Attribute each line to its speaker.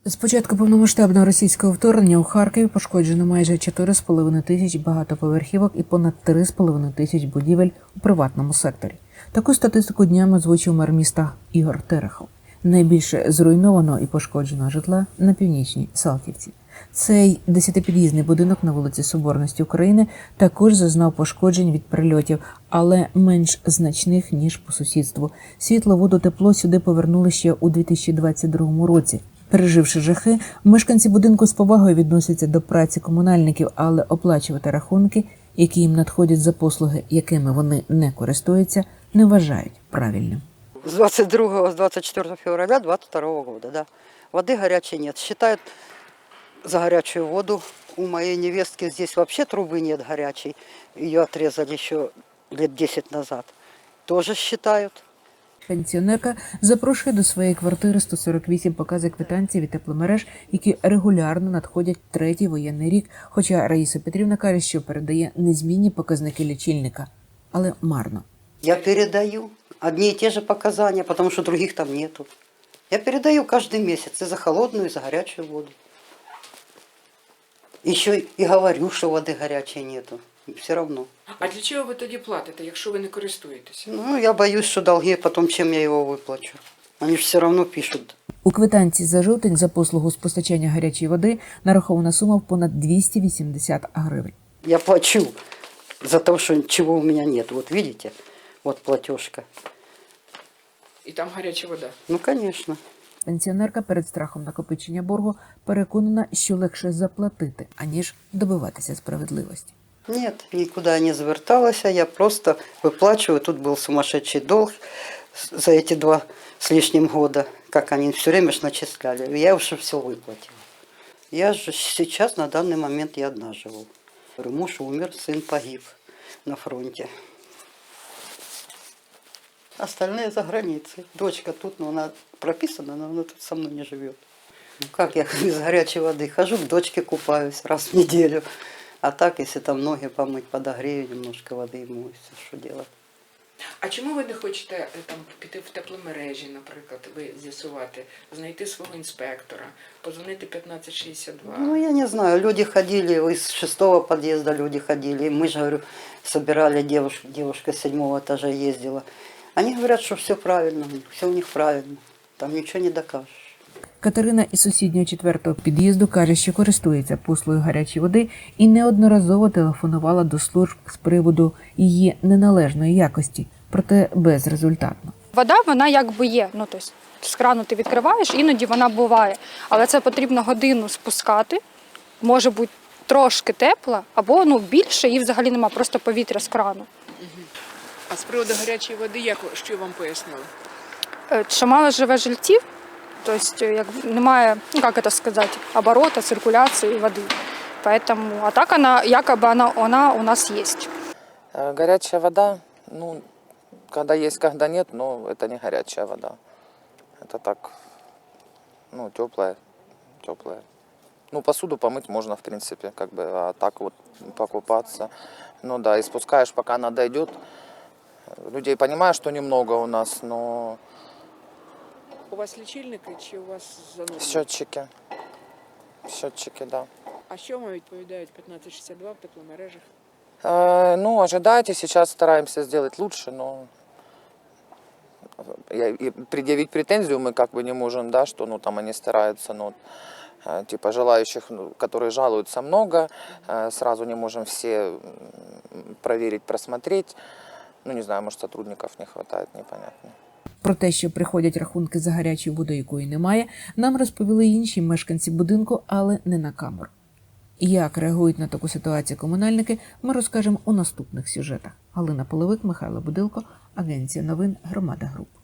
Speaker 1: З початку повномасштабного російського вторгнення у Харкові пошкоджено майже 4,5 тисяч багатоповерхівок і понад 3,5 тисяч будівель у приватному секторі. Таку статистику днями озвучив мер міста Ігор Терехов. Найбільше зруйнованого і пошкодженого житла на північній Салтівці. Цей 10-під'їздний будинок на вулиці Соборності України також зазнав пошкоджень від прильотів, але менш значних, ніж по сусідству. Світло, воду, тепло сюди повернули ще у 2022 році. Переживши жахи, мешканці будинку з повагою відносяться до праці комунальників, але оплачувати рахунки, які їм надходять за послуги, якими вони не користуються, не вважають правильним.
Speaker 2: С 24 февраля 22 года, да. Воды горячей нет. Считают за горячую воду. У моей невестки здесь вообще трубы нет горячей. Ее отрезали еще лет 10 назад. Тоже считают.
Speaker 1: Пенсіонерка запрошує до своєї квартири 148 покази квитанцій від тепломереж, які регулярно надходять третій воєнний рік, хоча Раїса Петрівна каже, що передає незмінні показники лічильника, але марно.
Speaker 2: Я передаю одни и те же показания, потому что других там нету. Я передаю каждый месяц и за холодную, и за горячую воду. Еще и говорю, что воды горячей нету. Все равно.
Speaker 3: А для чого ви тоді платите, якщо ви не користуєтеся?
Speaker 2: Ну, я боюсь, что долги потом, чем я его выплачу. Они же все равно пишут.
Speaker 1: У квитанції за жовтень за послугу з постачання гарячої води нарахована сума в понад 280 гривень.
Speaker 2: Я плачу за то, что чего у меня нет. Вот видите? Вот платежка.
Speaker 3: І там гаряча вода.
Speaker 2: Ну, конечно.
Speaker 1: Пенсіонерка перед страхом накопичення боргу переконана, що легше заплатити, аніж добиватися справедливості.
Speaker 2: Нет, никуда я не зверталась, я просто выплачиваю. Тут был сумасшедший долг за эти 2 с лишним года, как они все время ж начисляли. Я уже все выплатила. Я же сейчас, на данный момент, я одна живу. Муж умер, сын погиб на фронте. Остальные за границей. Дочка тут, но она прописана, но она тут со мной не живет. Ну как я без горячей воды хожу, к дочке купаюсь раз в неделю. А так, если там ноги помыть, подогрею немножко воды и моюсь, что делать.
Speaker 3: А чому ви не хочете там піти в тепломережі, наприклад, ви з'ясувати, знайти свого інспектора, позвонити 1562?
Speaker 2: Ну, я не знаю, люди ходили, из 6-го подъезда люди ходили. И мы же, говорю, собирали девушка с 7-го этажа ездила. Они говорят, что все правильно, все у них правильно, там ничего не докажешь.
Speaker 1: Катерина із сусіднього 4-го під'їзду каже, що користується послугою гарячої води і неодноразово телефонувала до служб з приводу її неналежної якості, проте безрезультатно.
Speaker 4: Вода, вона якби є, ну, тобто з крану ти відкриваєш, іноді вона буває, але це потрібно годину спускати, може бути трошки тепла, або більше і взагалі нема, просто повітря з крану.
Speaker 3: А з приводу гарячої води, що вам пояснили?
Speaker 4: Що мало живе жильців, тобто немає, як це сказати, оборота, циркуляції води. Поэтому, а так она, якобы она у нас есть.
Speaker 5: Горячая вода, когда есть, когда нет, но это не горячая вода. Это так, теплая. Посуду помыть можно, в принципе, а так вот покупаться. И спускаешь, пока она дойдет. Людей понимаю, что немного у нас, но...
Speaker 3: У вас лічильники чи у вас заносили?
Speaker 5: Счетчики, да.
Speaker 3: А що вам відповідають 1562 в тепломережах?
Speaker 5: Ожидайте, сейчас стараемся сделать лучше, но предъявить претензию мы не можем, да, что там они стараются, желающих, которые жалуются, много, сразу не можем все проверить, просмотреть. Не знаю, может, сотрудников не хватает, непонятно.
Speaker 1: Про те, що приходять рахунки за гарячу воду, якої немає, нам розповіли інші мешканці будинку, але не на камеру. Як реагують на таку ситуацію комунальники, ми розкажемо у наступних сюжетах. Галина Половик, Михайло Будилко, Агенція новин Громада Груп.